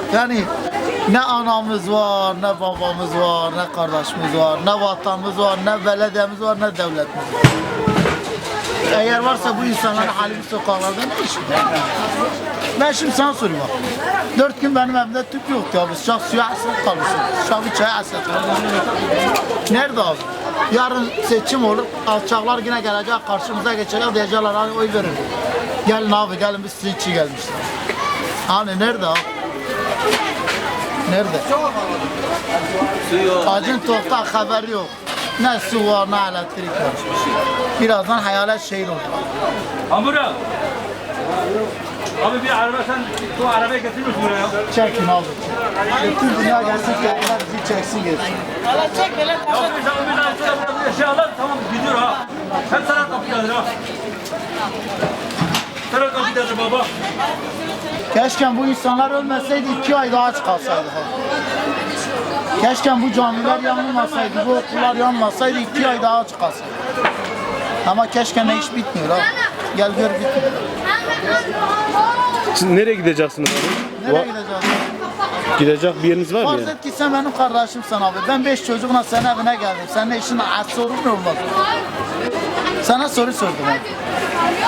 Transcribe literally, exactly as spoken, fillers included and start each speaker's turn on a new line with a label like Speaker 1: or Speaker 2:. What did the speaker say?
Speaker 1: Yani ne anamız var, ne babamız var, ne kardeşimiz var, ne vatanımız var, ne belediyemiz var, ne devletimiz var. Eğer varsa bu insanların hali bu sokaklarda ne işi var? Ben şimdi sana sorayım bak. Dört gün benim evimde tüp yoktu abi. Sıcak suya hasret kalmışsın. Sıcak bir çaya hasret kalmışsın. Nerede abi? Yarın seçim olur. Alçaklar yine gelecek, karşımıza geçecek. Diyecekler hani oy verin. Gelin abi, gelin biz sizin için gelmişler. Hani nerede abi? Nerede? Acın tokta haber yok. Ne su var, ne elektrik var. Birazdan hayalet şehir olacak.
Speaker 2: Hamura. Abi bir araba sen bu arabayı getirmiyorsun buraya.
Speaker 1: Çekin abi. Bütün dünya gelsin, kendiler bizi çeksin gelsin.
Speaker 2: Ya bir sen o bir daha sonra burada eşyalar tamam gidiyor ha. Hep sana kapıdadır ha. Sana kapıdadır baba.
Speaker 1: Keşke bu insanlar ölmeseydi, iki ay daha aç kalsaydı. Keşke bu camiler yanılmasaydı, bu okullar yanmasaydı, iki ay daha aç kalsaydı. Ama keşke ne iş bitmiyor ha. Gel gör bitmiyor.
Speaker 3: Siz nereye gideceksiniz abi?
Speaker 1: Nereye
Speaker 3: Va-
Speaker 1: gideceğiz?
Speaker 3: Gidecek bir yeriniz var mı
Speaker 1: Farz
Speaker 3: ya?
Speaker 1: et ki sen benim kardeşimsin abi. Ben beş çocukla senin evine geldim. Senin işin az sorun mu olmaz? Sana soru sordum abi.